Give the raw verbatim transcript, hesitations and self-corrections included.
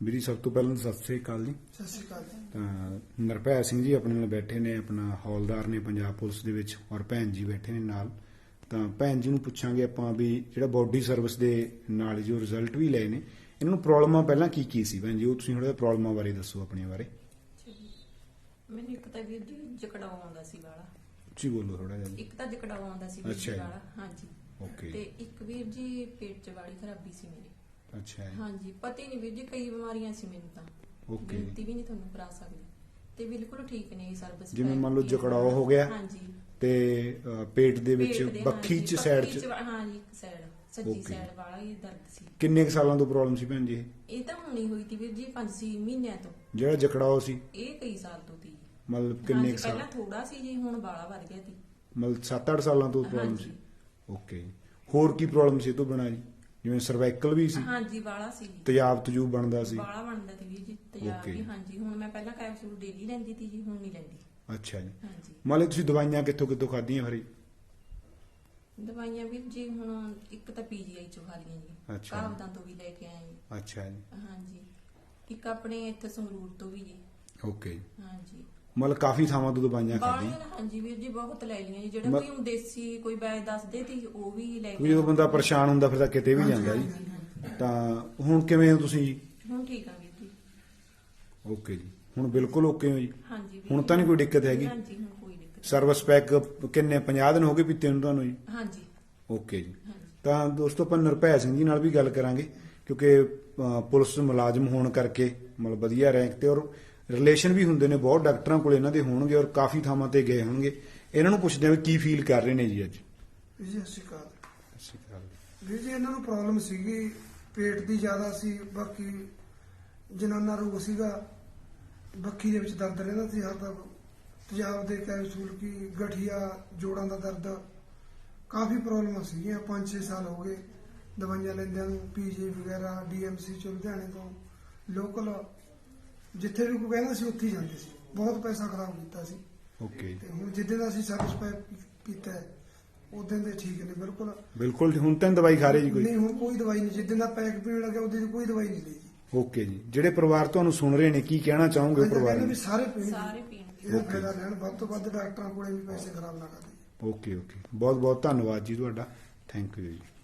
ਵੀਰੀ ਸਭ ਤੋਂ ਪਹਿਲਾਂ ਤਾਂ ਸਤਿ ਸ੍ਰੀ ਅਕਾਲ ਜੀ। ਸਤਿ ਸ਼੍ਰੀ ਅਕਾਲ ਜੀ। ਤਾਂ ਨਿਰਭੈ ਸਿੰਘ ਜੀ ਆਪਣੇ ਨਾਲ ਬੈਠੇ ਨੇ, ਆਪਣਾ ਹੌਲਦਾਰ ਨੇ ਪੰਜਾਬ ਪੁਲਿਸ ਦੇ ਵਿੱਚ, ਔਰ ਭੈਣ ਜੀ ਬੈਠੇ ਨੇ ਨਾਲ। ਤਾਂ ਭੈਣ ਜੀ ਨੂੰ ਪੁੱਛਾਂਗੇ ਆਪਾਂ ਵੀ ਜਿਹੜਾ ਬੋਡੀ ਸਰਵਿਸ ਦੇ ਨਾਲ ਜੋ ਰਿਜ਼ਲਟ ਵੀ ਲਏ ਨੇ, ਇਹਨਾਂ ਨੂੰ ਪ੍ਰੋਬਲਮਾਂ ਪਹਿਲਾਂ ਕੀ ਕੀ ਸੀ ਭੈਣ ਜੀ, ਉਹ ਤੁਸੀਂ ਥੋੜਾ ਜਿਹਾ ਪ੍ਰੋਬਲਮਾਂ ਬਾਰੇ ਦੱਸੋ ਆਪਣੇ ਬਾਰੇ। ਮੈਨੂੰ ਇੱਕ ਤਾਂ ਵੀਰ ਜੀ ਜਕੜਾਉ ਆਉਂਦਾ ਸੀ ਵਾਲਾ। ਉੱਚੀ ਬੋਲੋ ਥੋੜਾ ਜਿਹਾ। ਇੱਕ ਤਾਂ ਜਕੜਾਉ ਆਉਂਦਾ ਸੀ ਵੀਰ ਅੱਛਾ ਜੀ ਜੀ। ਵਾਲਾ, ਹਾਂਜੀ। ਓਕੇ। ਤੇ ਇੱਕ ਵੀਰ ਜੀ ਪੇਟ 'ਚ ਵਾਲੀ ਖਰਾਬੀ ਸੀ ਮੇਰੀ। ਅੱਛਾ ਜੀ। ਹਾਂਜੀ, ਪਤਾ ਹੀ ਨਹੀਂ ਵੀਰ ਜੀ, ਕਈ ਬਿਮਾਰੀਆਂ ਸੀ ਮੈਨੂੰ ਤਾਂ। ਓਕੇ। ਗਿਣਤੀ ਵੀ ਨਹੀਂ ਤੁਹਾਨੂੰ ਕਰਾ ਸਕਦੀ। ਤੇ ਬਿਲਕੁਲ ਠੀਕ ਨੇ ਸਰਵਿਸ। ਜਿਵੇਂ ਮੰਨ ਲਓ ਜਕੜਾਓ ਹੋ ਗਿਆ। ਹਾਂਜੀ। ਤੇ ਅ, ਪੇਟ ਦੇ ਵਿੱਚ ਪੇਟ ਦੇ, ਬੱਖੀ ਹਾਂਜੀ, ਚ ਸਾਈਡ ਚ। ਹਾਂਜੀ, ਇੱਕ ਸਾਈਡ ਸੱਜੀ ਓਕੇ। ਸਾਈਡ ਵਾਲਾ ਹੀ ਦਰਦ ਸੀ। ਕਿੰਨੇ ਕੁ ਸਾਲਾਂ ਤੋਂ ਪ੍ਰੋਬਲਮ ਸੀ ਭੈਣ ਜੀ ਇਹ? ਇਹ ਤਾਂ ਹੁਣੀ ਹੋਈ ਤੀ ਵੀਰ ਜੀ ਪੰਜ ਛੇ ਮਹੀਨਿਆਂ ਤੋਂ। ਜਿਹੜਾ ਜਕੜਾਓ ਸੀ ਇਹ ਕਈ ਸਾਲ ਤੋਂ ਤੀ। ਮਤਲਬ ਕਿੰਨੇ ਕੁ ਸਾਲ? ਪਹਿਲਾਂ ਥੋੜਾ ਸੀ ਜੀ, ਹੁਣ ਬਾਲਾ ਵੱਧ ਗਿਆ ਤੀ। ਮਤਲਬ ਸੱਤ ਅੱਠ ਸਾਲਾਂ ਤੋਂ ਪ੍ਰੋਬਲਮ ਸੀ। ਹਾਂਜੀ। ਓਕੇ। ਹੋਰ ਕੀ ਪ੍ਰੋਬਲਮ ਸੀ ਇਹ ਤੋਂ ਬਿਨਾਂ ਜੀ? ਜਿਵੇਂ ਸਰਵਾਈਕਲ ਵੀ ਸੀ, ਹਾਂਜੀ, ਬਾਲਾ ਸੀ ਜੀ। ਤੇਜ਼ਾਬ ਤਜੂਬ ਬਣਦਾ ਸੀ। ਬਾਲਾ ਬਣਦਾ ਸੀ ਵੀਰ ਜੀ, ਤੇਜ਼ਾਬ ਓਕੇ। ਵੀ। ਹਾਂਜੀ, ਹੁਣ ਮੈਂ ਪਹਿਲਾਂ ਕੈਪਸੂਲ ਡੇਲੀ ਲੈਂਦੀ ਸੀ ਜੀ, ਹੁਣ ਨਹੀਂ ਲੈਂਦੀ। ਅੱਛਾ ਜੀ। ਹਾਂਜੀ। ਮੰਨ ਲਓ ਤੁਸੀਂ ਦਵਾਈਆਂ ਕਿੱਥੋਂ ਕਿੱਥੋਂ ਖਾਧੀਆਂ ਫਿਰ ਜੀ? ਦਵਾਈਆਂ ਵੀਰ ਜੀ ਹੁਣ ਇੱਕ ਤਾਂ ਪੀਜੀਆਈ ਚੋਂ ਖਾ ਲਈਆਂ ਜੀ। ਅੱਛਾ। ਕਾਬਦਾਂ ਤੋਂ ਵੀ ਲੈ ਕੇ ਆਏ ਜੀ। ਅੱਛਾ ਜੀ। ਹਾਂਜੀ। ਇੱਕ ਆਪਣੇ ਇੱਥੇ ਸੰਗਰੂਰ ਤੋਂ ਵੀ ਜੀ। ਓਕੇ। ਹਾਂਜੀ। ਮਤਲਬ ਕਾਫੀ ਥਾਵਾਂ ਤੋਂ ਦਵਾਈਆਂ ਖਾਧੀਆਂ। ਬਾਲੀਆਂ ਹਾਂਜੀ ਵੀਰ ਜੀ, ਬਹੁਤ ਲੈ ਲਈਆਂ ਜੀ। ਜਿਹੜਾ ਮ- ਕੋਈ ਹੁਣ ਦੇਸੀ ਕੋਈ ਵੈਦ ਦੱਸਦੇ ਤੀ ਉਹ ਵੀ ਲੈ ਕਿਉਂਕਿ ਕੇ ਜਦੋਂ ਬੰਦਾ ਪਰੇਸ਼ਾਨ ਹੁੰਦਾ ਫਿਰ ਤਾਂ ਕਿਤੇ ਵੀ ਜਾਂਦਾ ਜੀ। ਹਾਂਜੀ, ਹਾਂਜੀ। ਤਾਂ ਹੁਣ ਕਿਵੇਂ ਹੋ ਤੁਸੀਂ ਜੀ? ਹੁਣ ਠੀਕ ਆ ਵੀਰ ਜੀ। ਓਕੇ ਜੀ। ਹੁਣ ਬਿਲਕੁਲ ਓਕੇ ਹੋ ਜੀ? ਹਾਂਜੀ ਵੀਰ ਹੁਣ ਜੀ। ਤਾਂ ਨਹੀਂ ਕੋਈ ਦਿੱਕਤ ਹੈਗੀ? ਹਾਂਜੀ, ਹੁਣ ਕੋਈ ਦਿੱਕਤ ਨਹੀਂ। ਸਰਵਿਸ ਪੈਕ ਕਿੰਨੇ ਪੰਜਾਹ ਦਿਨ ਹੋ ਗਏ ਪੀਤੇ ਨੂੰ ਤੁਹਾਨੂੰ ਜੀ? ਹਾਂਜੀ। ਓਕੇ ਜੀ। ਹਾਂਜੀ। ਤਾਂ ਦੋਸਤੋ ਆਪਾਂ ਨਿਰਭੈ ਸਿੰਘ ਜੀ ਨਾਲ ਵੀ ਗੱਲ ਕਰਾਂਗੇ, ਕਿਉਂਕਿ ਅ, ਪੁਲਿਸ ਮੁਲਾਜ਼ਮ ਹੋਣ ਕਰਕੇ ਮਤਲਬ ਵਧੀਆ ਰੈਂਕ ਤੇ, ਔਰ ਰਿਲੇਸ਼ਨ ਵੀ ਹੁੰਦੇ ਨੇ ਬਹੁਤ ਡਾਕਟਰਾਂ ਕੋਲ ਇਹਨਾਂ ਦੇ ਹੋਣਗੇ, ਔਰ ਕਾਫੀ ਥਾਵਾਂ ਤੇ ਗਏ ਹੋਣਗੇ। ਇਹਨਾਂ ਨੂੰ ਪੁੱਛਦੇ ਆ ਵੀ ਕੀ ਫੀਲ ਕਰ ਰਹੇ ਨੇ ਜੀ ਅੱਜ। ਵੀਰ ਜੀ ਸਤਿ ਸ਼੍ਰੀ ਅਕਾਲ। ਸਤਿ ਸ਼੍ਰੀ ਅਕਾਲ। ਵੀਰ ਜੀ ਇਹਨਾਂ ਨੂੰ ਪ੍ਰੋਬਲਮ ਸੀਗੀ ਪੇਟ ਦੀ ਜ਼ਿਆਦਾ ਸੀ, ਬਾਕੀ ਜਨਾਨਾ ਰੋਗ ਸੀਗਾ, ਬੱਖੀ ਦੇ ਵਿੱਚ ਦਰਦ ਰਹਿੰਦਾ ਸੀ ਹਰ ਤੱਕ, ਤੇਜ਼ਾਬ ਦੇ ਕੈਪਸੂਲ ਕੀ, ਗਠੀਆ, ਜੋੜਾਂ ਦਾ ਦਰਦ, ਕਾਫੀ ਪ੍ਰੋਬਲਮਾਂ ਸੀਗੀਆਂ। ਪੰਜ ਛੇ ਸਾਲ ਹੋ ਗਏ ਦਵਾਈਆਂ ਲੈਂਦਿਆਂ ਨੂੰ, ਪੀਜੀ ਵਗੈਰਾ, ਡੀਐਮਸੀ ਚੋਂ, ਲੁਧਿਆਣੇ ਤੋਂ, ਲੋਕਲ ਜਿੱਥੇ ਵੀ ਕੋਈ ਕਹਿੰਦਾ ਸੀ ਉੱਥੇ ਹੀ ਜਾਂਦੇ ਸੀ। ਬਹੁਤ ਪੈਸਾ ਖਰਾਬ ਕੀਤਾ ਸੀ। ਓਕੇ। ਤੇ ਹੁਣ ਜਿੱਦਾਂ ਦਾ ਅਸੀਂ ਸਰਵਿਸ ਪੈਕ ਪੀਤਾ ਉਦੋਂ ਦੇ ਠੀਕ ਨੇ ਬਿਲਕੁਲ। ਬਿਲਕੁਲ ਹੁਣ ਤਾਂ ਨੀ ਦਵਾਈ ਖਾ ਰਹੇ ਜੀ ਕੋਈ? ਨਹੀਂ, ਹੁਣ ਕੋਈ ਦਵਾਈ ਨਹੀਂ। ਜਿੱਦਾਂ ਦਾ ਪੈਕ ਪੀਣ ਲੱਗਿਆ ਉਦੋਂ ਦੀ ਕੋਈ ਦਵਾਈ ਨਹੀਂ ਲਈ ਜੀ। ਓਕੇ ਜੀ। ਜਿਹੜੇ ਪਰਿਵਾਰ ਤੁਹਾਨੂੰ ਸੁਣ ਰਹੇ ਨੇ ਕੀ ਕਹਿਣਾ ਚਾਹੋਗੇ ਉਹ ਪਰਿਵਾਰ ਕਹਿੰਦੇ ਨੂੰ? ਵੀ ਸਾਰੇ ਪੀਣ, ਸਾਰੇ ਪੀਣਗੇ। ਇਹਦਾ ਫਾਇਦਾ ਲੈਣ, ਵੱਧ ਤੋਂ ਵੱਧ ਡਾਕਟਰਾਂ ਕੋਲੇ ਵੀ ਪੈਸੇ ਖਰਾਬ ਨਾ ਕਰਨ। Okay okay. ਬਹੁਤ ਬਹੁਤ ਧੰਨਵਾਦ ਜੀ ਤੁਹਾਡਾ। ਥੈਂਕ ਯੂ ਜੀ।